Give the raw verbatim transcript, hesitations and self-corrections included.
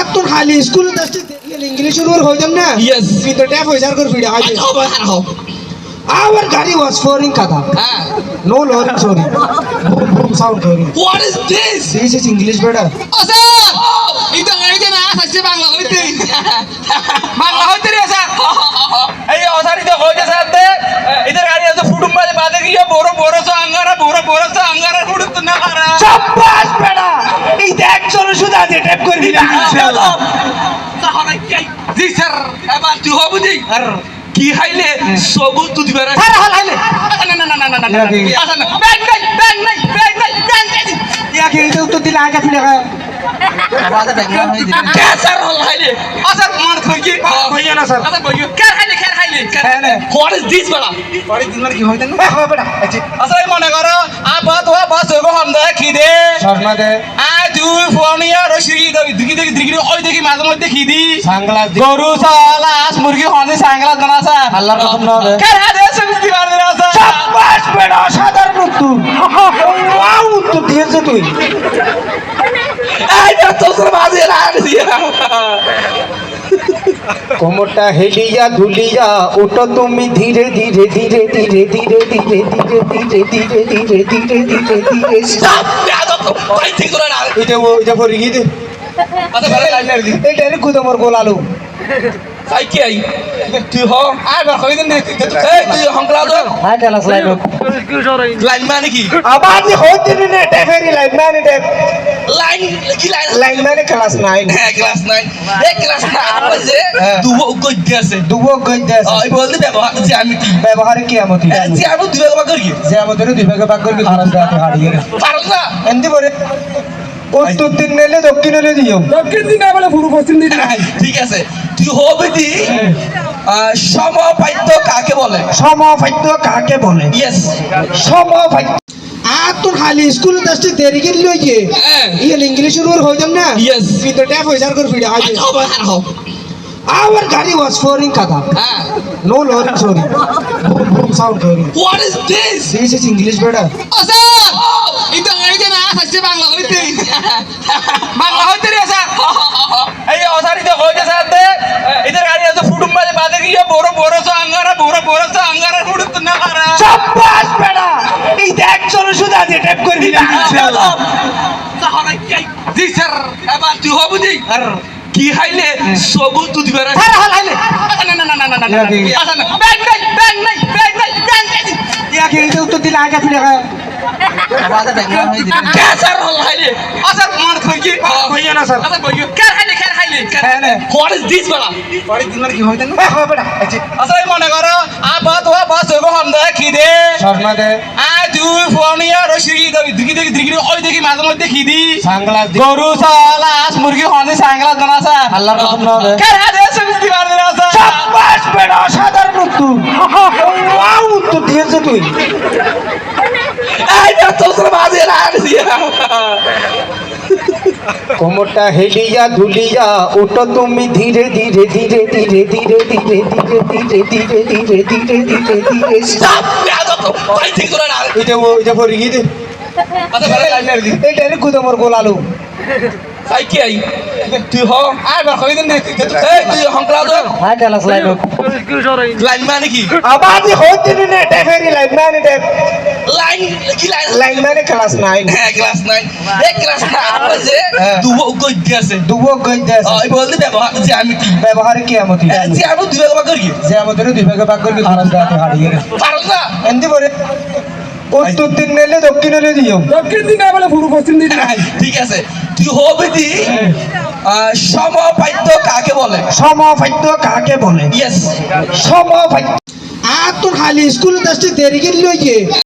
আর তোর খালি স্কুলে দশটি ইংলিশ ওর হয়ে যাম না Yes. কিন্তু ট্যাপ হয়ে যার করে ভিড় আজ our গাড়ি was foreign কথা no lorry sorry sound sorry What is this? this is english better Asa! Ito nga ito na sa Bangla hoite. Bangla hoite रे ऐसा. এই অসারি তো হয়ে যাচ্ছে আতে इधर गाड़ी আছে ফুটুম বাজে বাজে গিয়ে বড় বড় সো আঙ্গারা বড় বড় সো আঙ্গারা ফুটুম তো না করা চাপাস বেটা এই দেখ চলো শুধু আজ ট্যাপ করবি না ইনশাআল্লাহ তাহলে কি জি স্যার এবার তুই হবু দি আর কি হাইলে সবু তুই দিবে রে আরে হাল হাইলে না না না না না না আচ্ছা না ব্যাং নাই ব্যাং নাই ব্যাং নাই ব্যাং নাই ইয়া কি তো উত্তর দিলে আগে ফিরে গা আওয়াজ ব্যাকগ্রাউন্ড হয়ে দিবে কে স্যার হল হাইলে আচ্ছা মান কই কইয়া না স্যার আচ্ছা কই কে হাইলে কে হাইলে হ্যাঁ না হোয়াট ইজ দিস বলা পরে দিন কি হইতেন না হ্যাঁ বেটা আচ্ছা আচ্ছা মনে করো আ বাত হওয়া বাস হইব হামদা কি দে শর্মা দে আ তুই ফোনিয়া রশিদি দিগি দিগি দিগি ওই দেখি মাঝে মধ্যে কি দি সাংগ্লাস দি গরু সালাস মুরগি হনে সাংলাস বানাসা আল্লাহর কসম না হবে কে হাদে সবজি মার দেনাসা চাপাস বেটা সাধারণ উত্তর ওয়াও উত্তর দিয়েছে তুই এই তো তোর বাজে লাগছি কোমরটা হেলিয়া ধুলিয়া ওটা তুমি ধীরে ধীরে ধীরে ধীরে ধীরে ধীরে ধীরে ধীরে ধীরে ধীরে ধীরে ধীরে ধীরে স্টপ দাদা তো ভাই ঠিক করে না এটা ও এটা পরে গিয়ে দে আচ্ছা ভালো লাইনার দি এটা রে কুদমর গোল আলু সাই কি আই তুই হ আর বার কই দিন এই তুই হংকলা তো হাই ক্লাস লাইন লাইন মানে কি আবাজ হইতে নে ডেফেরি লাইন মানে ডে লাইন কি লাইন লাইন মানে ক্লাস নাইন হ্যাঁ ক্লাস নাইন এই ক্লাস নাইন বাজে দুবো গজ্জে আছে দুবো গইতে ওই বলতে ব্যবহার জ্যামিতি ব্যবহার কি আমতি জ্যামিতি দুই ব্যবহার করি যে আমাদের দুই ভাগে ভাগ করবি খারাপ রাতে হারিয়ে পারো না এন্দি পরে উত্তর দিন নেলে দক্ষিণ নেলে দিও দক্ষিণ দিন বলে পুরো পশ্চিম দিন ঠিক আছে তুই হবে দি সমপাদ্য কাকে বলে সমপাদ্য কাকে বলে ইয়েস সমপাদ্য আর তোর খালি স্কুলে দশটি দেরি গেল লইয়ে হ্যাঁ ইয়ে ইংলিশ ওর হয়ে যাম না Yes. কিন্তু ট্যাপ হয়ে যার করে ভিড় আজ হবে আর হোক our গাড়ি was foreign কথা হ্যাঁ no lorry sorry sound sorry What is this? this is english better Asa! Ito nga ito na sa Bangla hoite. Bangla hoite রে স্যার এই অসারি তো হয়ে যাচ্ছে আতে इधर गाड़ी আছে ফুটুম বাজে বাজে গিয়ে বড় বড় সো আঙ্গারা বড় বড় সো আঙ্গারা ফুটুম তো না করা চাপাস বেটা এই দেখ চলো শুধু আজ ট্যাপ করবি না ইনশাআল্লাহ তাহলে কি জি স্যার এবার তুই হবু দি আর কি হাইলে সবু তুই দিবে রে আরে হাল হাইলে না না না না না না আচ্ছা না ব্যাং নাই ব্যাং নাই ব্যাং নাই ব্যাং নাই ইয়া কি তো উত্তর দিলে আগে ফিরে গা আওয়াজ ব্যাকগ্রাউন্ড হয়ে দিবে কে স্যার হল হাইলে আচ্ছা মান কই কি কইয়া না স্যার আচ্ছা কই কে হাইলে কে হাইলে হ্যাঁ না হোয়াট ইজ দিস বলা পরে দিন কি হইতেন না হ্যাঁ বেটা আচ্ছা আচ্ছা মনে করো আ বাত হওয়া বাস হইব হামদা কি দে শর্মা দে আ তুই ফোনিয়া রশিদি দিগি দিগি দিগি ওই দেখি মাঝে মধ্যে কি দি সাংগ্লাস দি গরু সালাস মুরগি হনে সাংলাস বানাসা আল্লাহর কসম না হবে কে হাদে সবজি মার দেনাসা চাপাস বেটা সাধারণ উত্তর ওয়াও উত্তর দিয়েছে তুই এই তো তোর বাজে লাগছি কোমরটা হেলিয়া ধুলিয়া ওটা তুমি ধীরে ধীরে ধীরে ধীরে ধীরে ধীরে ধীরে ধীরে ধীরে ধীরে ধীরে ধীরে ধীরে স্টপ দাদা তো ভাই ঠিক করে না এটা ও এটা পরে গিয়ে দে আচ্ছা ভালো লাইনার দি এটা রে কুদমর গোল আলু সাই কি আই তুই হ আর বার কই দিন এই তুই হংকলা তো হাই ক্লাস লাইন লাইন মানে কি আবাজ হইতে নে ডেফেরি লাইন মানে ডে লাইন কি লাইন লাইন মানে ক্লাস নাইন হ্যাঁ ক্লাস নাইন এই ক্লাস নাইন বাজে দুবো গজ্জে আছে দুবো গইতে ওই বলতে ব্যবহার জ্যামিতি ব্যবহার কি আমতি জ্যামিতি দুই ব্যবহার করি যে আমাদের দুই ভাগে ভাগ করবি খারাপ রাতে হারিয়ে পারো না এন্দি পরে উত্তর দিন নেলে দক্ষিণ নেলে দিও দক্ষিণ দিন বলে পুরো পশ্চিম দিন ঠিক আছে তুই হবে দি সমপাদ্য কাকে বলে সমপাদ্য কাকে বলে ইয়েস সমপাদ্য আর তোর খালি স্কুলে দশটি দেরি গেল লইয়ে